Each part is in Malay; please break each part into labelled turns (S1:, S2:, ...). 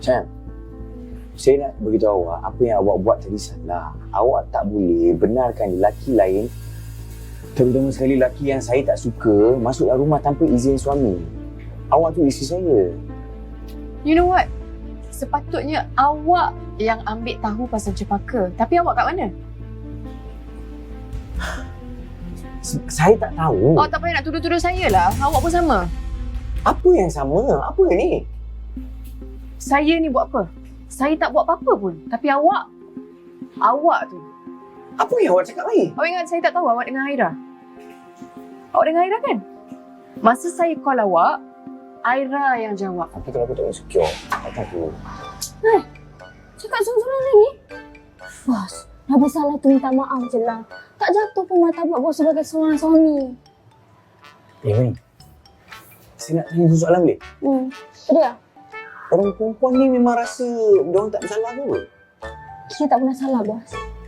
S1: Sayang, saya nak beritahu awak, apa yang awak buat tadi salah. Awak tak boleh benarkan lelaki lain, terutama sekali lelaki yang saya tak suka, masuk dalam rumah tanpa izin suami. Awak tu isteri saya.
S2: You know what? Sepatutnya awak yang ambil tahu pasal Cepaka. Tapi awak kat mana?
S1: Saya tak tahu.
S2: Awak tak payah nak tuduh-tuduh saya lah. Awak pun sama.
S1: Apa yang sama? Apa ni?
S2: Saya ni buat apa? Saya tak buat apa-apa pun. Tapi awak tu.
S1: Apa yang awak cakap ni?
S2: Awak ingat saya tak tahu awak dengan Aira? Awak dengan Aira kan? Masa saya call awak, Aira yang jawab.
S1: Tapi kalau aku tak insecure, tak tahu.
S3: Cakap sorang-sorang lagi? Bos, dah bersalah tu minta maaf je lah. Tak jatuh pun martabat bos sebagai seorang suami.
S1: Mei, saya nak tanya satu soalan boleh?
S3: Dia,
S1: Orang perempuan ni memang rasa diorang tak bersalah ke?
S3: kita tak pernah salah bos.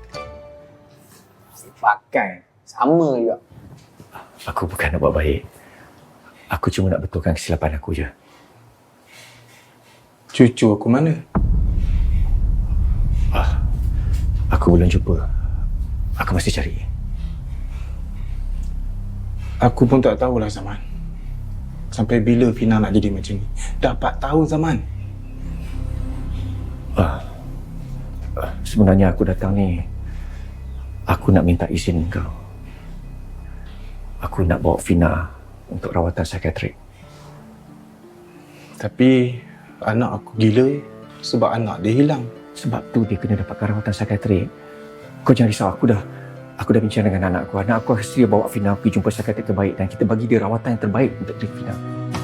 S1: Pakai. Sama juga.
S4: Aku bukan nak buat baik. Aku cuma nak betulkan kesilapan aku je.
S5: Cucu aku mana?
S4: Aku belum jumpa. Aku masih cari.
S5: Aku pun tak tahulah Zaman. Sampai bila Fina nak jadi macam ni? Dah 4 tahun Zaman.
S4: Sebenarnya aku datang ni, aku nak minta izin kau. Aku nak bawa Fina untuk rawatan psikiatrik.
S5: Tapi anak aku gila sebab anak dia hilang.
S4: Sebab tu dia kena dapatkan rawatan psikiatrik. Kau jangan risau, aku dah bincang dengan anak aku. Anak aku sedia bawa Fina pergi jumpa psikiatrik terbaik dan kita bagi dia rawatan yang terbaik untuk diri Fina.